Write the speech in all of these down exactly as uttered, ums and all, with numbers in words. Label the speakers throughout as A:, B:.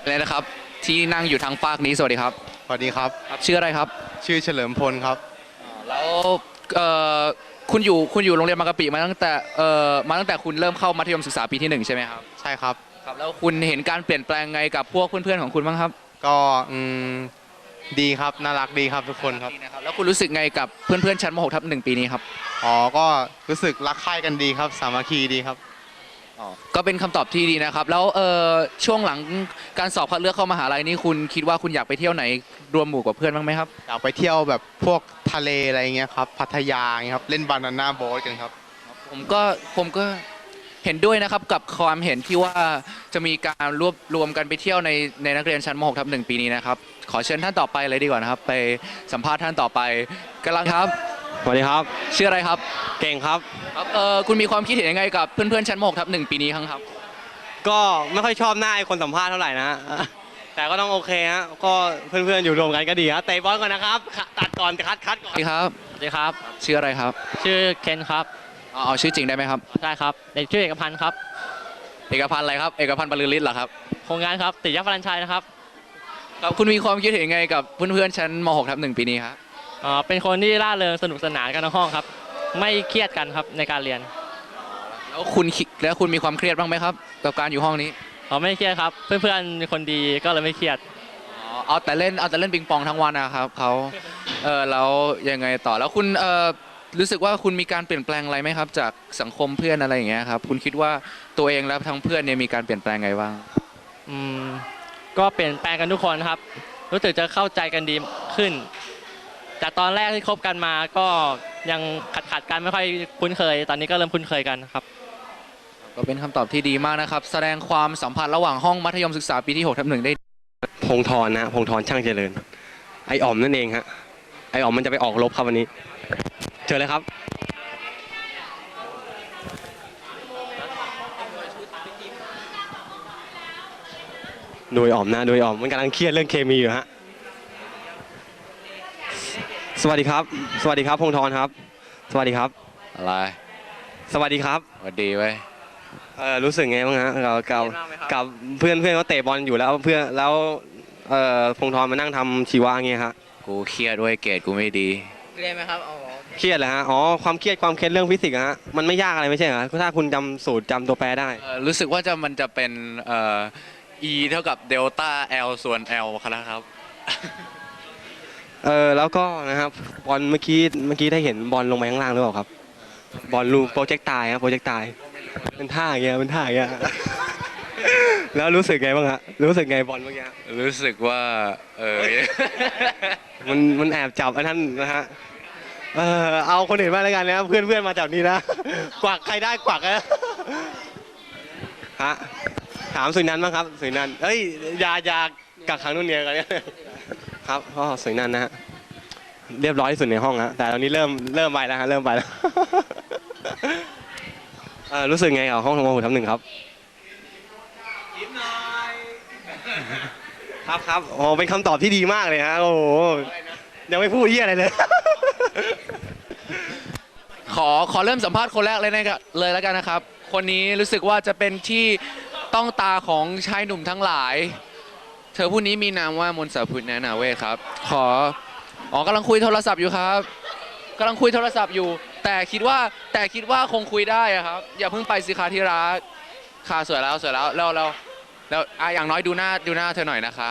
A: เลยนะครับที่นั่งอยู่ทางฝากนี้สวัสดีครับ
B: สวัสดีครับ
A: ครับชื่ออะไรครับ
B: ชื่อเฉลิมพลครับ
A: แล้วเอ่อคุณอยู่คุณอยู่โรงเรียนบางกะปิมาตั้งแต่เอ่อมาตั้งแต่คุณเริ่มเข้ามัธยมศึกษาปีที่หนึ่งใช่ไหมครับ
B: ใช่ครับ
A: ครับแล้วคุณเห็นการเปลี่ยนแปลงไงกับพวกเพื่อนๆของคุณบ้างครับ
B: ก็อืมดีครับน่ารักดีครับทุกคนครับ
A: ดีนะครับแล้วคุณรู้สึกไงกับเพื่อนๆชั้นม .หก ทับหนึ่งปีนี้ครับ
B: อ๋อก็รู้สึกรักใคร่กันดีครับสามัคคีดีครับ
A: อ๋อก็เป็นคำตอบที่ดีนะครับแล้วเอ่อช่วงหลังการสอบคัดเลือกเข้ามหาลัยนี่คุณคิดว่าคุณอยากไปเที่ยวไหนรวมหมู่กับเพื่อนบ้างไหมครับ
B: อยากไปเที่ยวแบบพวกทะเลอะไรเงี้ยครับพัทยาเงี้ยครับเล่นบานาน่าโบ๊ทกันครับ
A: ผมก็ผมก็เห็นด้วยนะครับกับความเห็นที่ว่าจะมีการรวบรวมกันไปเที่ยวในในนักเรียนชั้นม .หก ทับหนึ่งปีนี้นะครับขอเชิญท่านต่อไปเลยดีกว่านะครับไปสัมภาษณ์ท่านต่อไปกำลังครับ
C: สวัสดีครับ
A: ชื่ออะไรครับ
C: เก่งครับ
A: ครับเออคุณมีความคิดเห็นยังไงกับเพื่อนๆชั้นม .หก ทับหนึ่งปีนี้ครับ
C: ก็ไม่ค่อยชอบหน้าไอ้คนสัมภาษณ์เท่าไหร่นะแต่ก็ต้องโอเคฮะก็เพื่อนๆอยู่รวมกันก็ดีครับเตะบอลก่อนนะครับตัดก่อนคัดคัดก่อน
A: สวัสดีครับ
D: สวัสดีครับ
A: ชื่ออะไรครับ
D: ชื่อเคนครับ
A: อ๋อเอาชื่อจริงได้ไหมครับ
D: ใช่ครับเด็กชื่อเอกพันธ์ครับ
A: เอกพันธ์อะไรครับเอกพันธ์บรรลือฤทธิ์เหรอครับ
D: โครงงานครับติดยักษ์พลันชัยนะครับ
A: ครับคุณมีความคิดเห็นยังไงกับเพื่อนๆชั้นม .หก ทับหนึ่งปีนี้ครับ
D: อ๋อเป็นคนที่ร่าเริงสนุกสนานกันในห้องครับไม่เครียดกันครับในการเรียน
A: แล้วคุณแล้วคุณมีความเครียดบ้างไหมครับกับการอยู่ห้องนี้
D: อ๋อไม่เครียดครับเพื่อนๆคนดีก็เลยไม่เครียด
A: อ๋อเอาแต่เล่นเอาแต่เล่นปิงปองทั้งวันนะครับเขาเออแล้วยังไงต่อแล้วคุณเออรู้สึกว่าคุณมีการเปลี่ยนแปลงอะไรไหมครับจากสังคมเพื่อนอะไรอย่างเงี้ยครับคุณคิดว่าตัวเองและทั้งเพื่อนเนี่ยมีการเปลี่ยนแปลงไงบ้าง
D: อืมก็เปลี่ยนแปลงกันทุกคนครับรู้สึกจะเข้าใจกันดีขึ้นจากตอนแรกที่คบกันมาก็ยังขัดขัดกันไม่ค่อยคุ้นเคยตอนนี้ก็เริ่มคุ้นเคยกันครับ
A: ก็เป็นคำตอบที่ดีมากนะครับแสดงความสัมพันธ์ระหว่างห้องมัธยมศึกษาปีที่หกทับหนึ่งได้
C: พงธรนะพงธรช่างเจริญไออ๋อมนั่นเองฮะไออ๋อมมันจะไปออกรบครับวันนี้เจอเลยครับโดยอ๋อมนะโดยอ๋อมมันกำลังเครียดเรื่องเคมีอยู่ฮะสวัสดีครับสวัสดีครับพงธรครับสวัสดีครับ
A: อะไร
C: สวัสดีครับ
A: สวัสดีเว้ย
C: เออรู้สึกไงบ้างฮะเรากับกับเพื่อนเพื่อนเขาเตะบอลอยู่แล้วเพื่อนแล้วเอ่อพงธรมานั่งทำชีวะเงี้ยฮะ
A: กูเครียดด้วยเกรดกูไม่ดี
D: เครียดไหมครับอ๋อ
C: เครียดเหรอฮะอ๋อความเครียดความเครียดเรื่องฟิสิกส์ฮะมันไม่ยากอะไรไม่ใช่เหรอถ้าคุณจำสูตรจำตัวแปรได้
A: รู้สึกว่าจะมันจะเป็นเอ่อ e เท่ากับเดลต้า l ส่วน l ครับ
C: เออแล้วก็นะครับบอลเมื่อกี้เมื่อกี้ได้เห็นบอลลงไปข้างล่างหรือเปล่าครับบอลลูโปรเจกต์ตายครับโปรเจกต์ตายเป็นท่าอย่างเงี้ยเป็นท่าอย่างเงี้ยแล้วรู้สึกไงบ้างฮะรู้สึกไงบอลเมื่อกี้
A: รู้สึกว่าเออ
C: มันมันแอบจับไอ้นั่นนะฮะเออเอาคนอื่นมาแล้วกันนะเพื่อนเพื่อนมาจับนี่นะกวักใครได้กวักนะฮะถามสุนันท์บ้างครับสุนันท์เอ้ยยายากักขังนู่นเนี่ยกันเนี่ยครับก็สุนันท์นะฮะเรียบร้อยที่สุดในห้องฮะแต่ตอนนี้เริ่มเริ่มไปแล้วฮะเริ่มไปแล้วรู้สึกไงกับห้องทำงานทับหนึ่งครับยิ้มหน่อยครับครับโอ้เป็นคำตอบที่ดีมากเลยฮะโอ้โหยังไม่พูดเยี่ยอะไรเลย
A: ขอขอเริ่มสัมภาษณ์คนแรกเลยนะครับเลยแล้วกันนะครับคนนี้รู้สึกว่าจะเป็นที่ต้องตาของชายหนุ่มทั้งหลายเธอผู้นี้มีนามว่ามนสาพุทธนาเวทครับขออ๋อกำลังคุยโทรศัพท์อยู่ครับกำลังคุยโทรศัพท์อยู่แต่คิดว่าแต่คิดว่าคงคุยได้ครับอย่าเพิ่งไปสิคะที่รักค่ะสวยแล้วสวยแล้วแล้วแล้วแล้วอ่ะอย่างน้อยดูหน้าดูหน้าเธอหน่อยนะคะ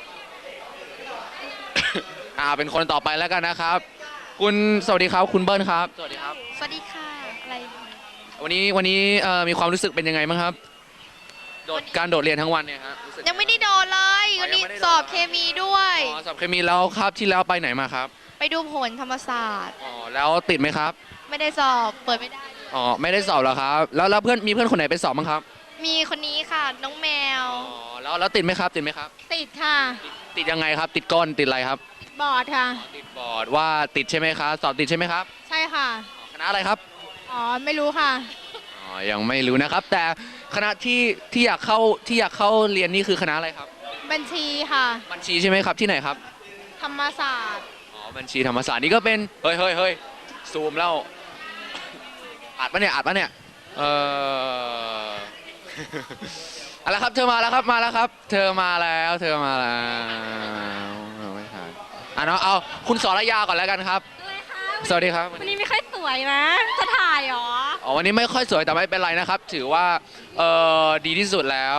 A: อ่าเป็นคนต่อไปแล้วกันนะครับคุณสวัสดีครับคุณเบิ้ลครับสวัสดีครับ
E: สวัสดีค่ะอะไร
A: วันนี้วันนี้มีความรู้สึกเป็นยังไงบ้างครับโดดการโดดเรียนทั้งวันเนี่ยฮะ
E: ยังไม่ได้โดดเลยวันนี้สอบเคมีด้วย
A: อ๋อสอบเคมีแล้วครับที่แล้วไปไหนมาครับ
E: ไปดูผลธรรมศาสตร์
A: อ๋อแล้วติดไหมครับ
E: ไม่ได้สอบเปิดไม่ได้
A: อ๋อไม่ได้สอบหรอครับแล้วแล้วเพื่อนมีเพื่อนคนไหนไปสอบบ้างครับ
E: มีคนนี้ค่ะน้องแมว
A: อ๋อแล้วแล้วติดไหมครับติดไหมครับ
E: ติดค่ะ
A: ติดยังไงครับติดก้นติดอะไรครับ
E: บอร์ดค่ะ
A: ติดบอร์ดว่าติดใช่ไหมครับสอบติดใช่ไหมครับ
E: ใช่ค่ะ
A: คณะอะไรครับ
E: อ๋อไม่รู้ค่ะ
A: อ๋อยังไม่รู้นะครับแต่คณะที่ที่อยากเข้าที่อยากเข้าเรียนนี่คือคณะอะไรครับ
E: บัญชีค่ะ
A: บัญชีใช่ไหมครับที่ไหนครับ
E: ธรรมศาสตร์
A: อ๋อบัญชีธรรมศาสตร์นี่ก็เป็นเฮ้ยเฮ้ยเฮ้ยซูมแล้วอัดปะเนี่ยอัดปะเนี่ยเออเอาละครับเธอมาแล้วครับมาแล้วครับ เธอมาแล้วเธอมาแล้วเอาไม่ทันอ่ะเนาะเอาคุณสรยาก่อนแล้วกันครับ สวัสดีครับ
E: วันนี้ไม่ค่อยสวยนะ จะถ่ายหรอ
A: อ๋อวันนี้ไม่ค่อยสวยแต่ไม่เป็นไรนะครับ ถือว่าเออดีที่สุดแล้ว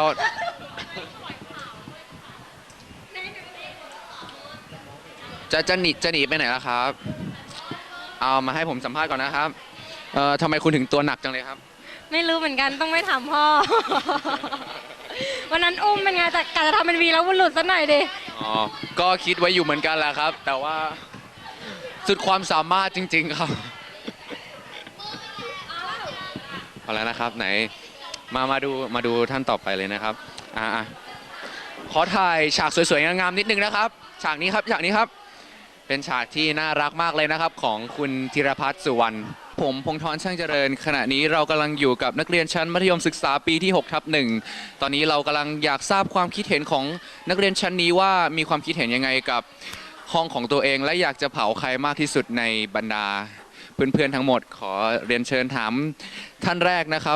A: จะจะหนีจะหนีไปไหนล่ะครับ เอามาให้ผมสัมภาษณ์ก่อนนะครับเอ่อทำไมคุณถึงตัวหนักจังเลยครับ
E: ไม่รู้เหมือนกันต้องไม่ถามพ่อ วันนั้นอุ้มเป็นไงแต่กะจะทำเป็นวีแล้วมันหลุดซะหน่อยดิ
A: อ๋อ ก็คิดไว้อยู่เหมือนกันแหละครับ แต่ว่าสุดความสามารถจริง ๆ ครับเอาแล้วนะครับไหนมามาดูมาดูท่านต่อไปเลยนะครับอ่าขอถ่ายฉากสวยๆงามๆนิดนึงนะครับ ฉากนี้ครับฉากนี้ครับ เป็นฉากที่น่ารักมากเลยนะครับ ของคุณธีรพัฒน์สุวรรณผมพงษ์ธรช่างเจริญขณะนี้เรากำลังอยู่กับนักเรียนชั้นมัธยมศึกษาปีที่หกทับหนึ่งตอนนี้เรากำลังอยากทราบความคิดเห็นของนักเรียนชั้นนี้ว่ามีความคิดเห็นยังไงกับห้องของตัวเอง และอยากจะเผาใครมากที่สุดในบรรดาเพื่อนๆทั้งหมด ขอเรียนเชิญถามท่านแรกนะครับ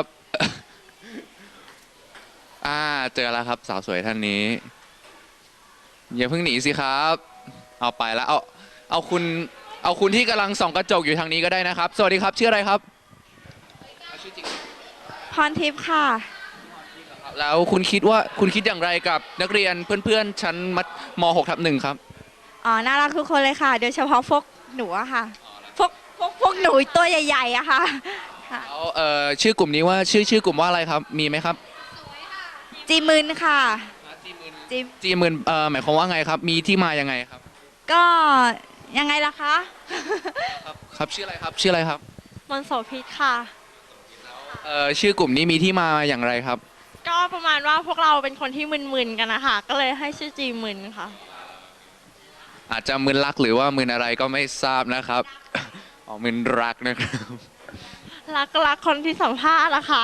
A: อ่าเจอแล้วครับสาวสวยท่านนี้อย่าเพิ่งหนีสิครับเอาไปแล้วเอาเอาคุณเอาคุณที่กำลังส่องกระจกอยู่ทางนี้ก็ได้นะครับ สวัสดีครับชื่ออะไรครับชื่อจริง
E: พรทิพย์ค่ะ
A: แล้วคุณคิดว่าคุณคิดอย่างไรกับนักเรียนเพื่อนๆชั้นมัธม .หก ทับหนึ่งครับ
E: อ๋อ น่ารักทุกคนเลยค่ะ โดยเฉพาะพวกหนูอะค่ะ พวกพวกพวกหนูตัวใหญ่ๆอะค่ะค่ะ
A: แล้วเอ่อชื่อกลุ่มนี้ว่าชื่อชื่อกลุ่มว่าอะไรครับมีไหมครับ
E: จีมืนค่ะจี
A: จีหมื่นเอ่อหมายความว่าไงครับมีที่มายังไงครับ
E: ก็ยังไงล่ะคะ
A: ครับครับชื่ออะไรครับชื่ออะไรครับ
E: มนโสพิษค่ะ
A: เอ่อชื่อกลุ่มนี้มีที่มาอย่างไรครับ
F: ก็ประมาณว่าพวกเราเป็นคนที่มึนๆกันนะคะก็เลยให้ชื่อจีมึนค่ะ
A: อาจจะมึนรักหรือว่ามึนอะไรก็ไม่ทราบนะครับ อ๋อมึนรักนะครับ
F: รักรักคนที่สัมภาษณ์ละค่ะ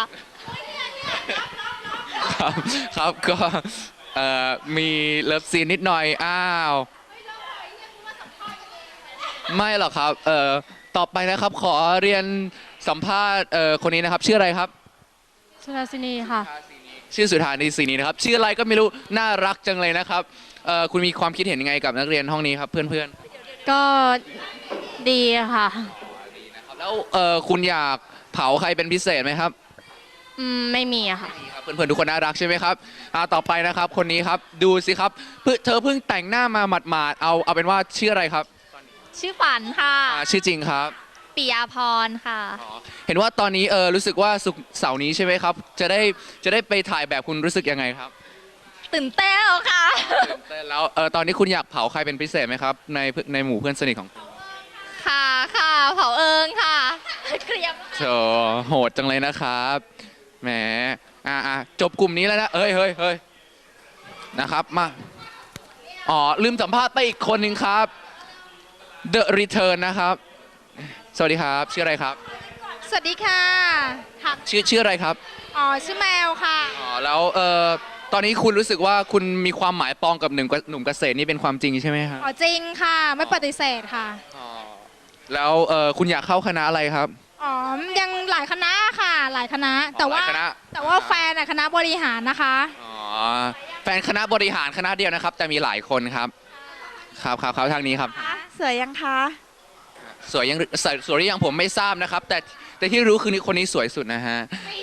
A: ครับครับก็เอ่อมีเลิฟซีนนิดหน่อยอ้าวไม่หรอกครับเอ่อต่อไปนะครับขอเรียนสัมภาษณ์เอ่อคนนี้นะครับชื่ออะไรครับ
F: สุดาสินีค่ะ
A: ชื่อสุธานีศรีนีนะครับชื่ออะไรก็ไม่รู้น่ารักจังเลยนะครับเอ่อคุณมีความคิดเห็นยังไงกับนักเรียนห้องนี้ครับเพื่อน
F: ก็ดีค่ะ
A: ๆนะครับแล้วเอ่อคุณอยากเผาใครเป็นพิเศษไหมครับ
F: อืม ไม่มีอะค่ะ
A: ครับเพื่อนๆทุกคนน่ารักใช่ไหมครับอ่าต่อไปนะครับคนนี้ครับดูสิครับเพิ่งเธอเพิ่งแต่งหน้ามาหมาดๆเอาเอาเป็นว่าชื่ออะไรครับ
E: ชื่อฝันค่ะ
A: อ่าชื่อจริงครับ
E: ปิยาพรค่ะ
A: อ๋อเห็นว่าตอนนี้เออรู้สึกว่าศุกร์เสาร์นี้ใช่ไหมครับจะได้จะได้ไปถ่ายแบบคุณรู้สึกยังไงครับ
E: ตื่นเต้นค่ะ
A: ตื่นเต้นแล้วเออตอนนี้คุณอยากเผาใครเป็นพิเศษไหมครับในในหมู่เพื่อนสนิทของคุณ
E: ค่ะค่ะเผาเอิงค่ะเคลียร์
A: โธ่โหดจังเลยนะครับแหมอ่าอ่าจบกลุ่มนี้แล้วนะเฮ้ยเฮ้ยเฮ้ยนะครับมาอ๋อลืมสัมภาษณ์ไปอีกคนหนึ่งครับ The Return นะครับ สวัสดีครับชื่ออะไรครับ
E: สวัสดีค่ะค่ะ
A: ชื่อชื่ออะไรครับ
E: อ๋อ ชื่อแมวค่ะ
A: อ๋อแล้วเอ่อตอนนี้คุณรู้สึกว่าคุณมีความหมายปองกับหนุ่มหนุ่มเกษตรนี่เป็นความจริงใช่ไหมครับ
E: อ๋อ จริงค่ะ ไม่ปฏิเสธค่ะ
A: อ๋อแล้วเอ่อคุณอยากเข้าคณะอะไรครับ
E: อ๋อ ยังหลายคณะค่ะ หลายคณะ แต่ว่า
A: หลายคณะ
E: แต่ว่าแฟนอะคณะบริหารนะคะ
A: อ๋อแฟนคณะบริหารคณะเดียวนะครับ แต่มีหลายคนครับครับครับครับทางนี้ครับ
E: สวยยังคะ
A: สวยยังสวยสวยหรือยังผมไม่ทราบนะครับ แต่แต่ที่รู้คือคนนี้สวยสุดนะฮะ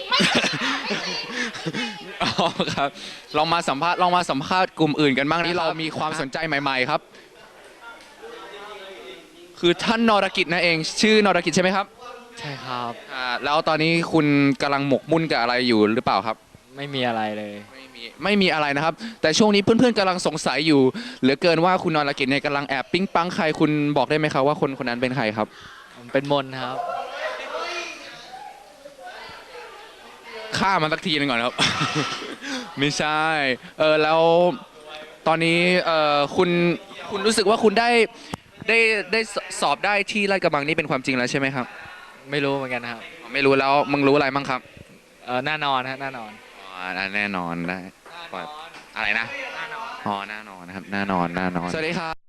A: อ๋อครับลองมาสัมภาษณ์ลองมาสัมภาษณ์กลุ่มอื่นกันบ้างนี่เรามีความสนใจใหม่ ๆครับ คือท่านนรกิจนั่นเองชื่อนรกิจใช่ไหมครับ
D: ใช่ครับ
A: อ่าแล้วตอนนี้คุณกำลังหมกมุ่นกับอะไรอยู่หรือเปล่าครับ
D: ไม่มีอะไรเลย
A: ไม่มีไม่มีอะไรนะครับ แต่ช่วงนี้เพื่อนๆกำลังสงสัยอยู่เหลือเกินว่าคุณนรกิจเนี่ยกำลังแอบปิ๊งปังใครคุณบอกได้ไหมครับว่าคนคนนั้นเป็นใครครับ
D: ผมเป็นมนครับ
A: ฆ่ามันสักทีหนึงก่อนครับ ไม่ใช่เออแล้วตอนนี้เออคุณคุณรู้สึกว่าคุณได้ได้ได้สอบได้ที่ลาดกระบังนี่เป็นความจริงแล้วใช่ไหมครับ
D: ไม่รู้เหมือนกันครับ
A: ไม่รู้แล้วมึงรู้อะไรบ้างครับ
D: เออแน่นอนฮะแน่นอน
A: อ๋อแน่นอนได้อะไรนะอ๋อแน่นอนนะครับแน่นอนแน่นอนสวัสดีครับ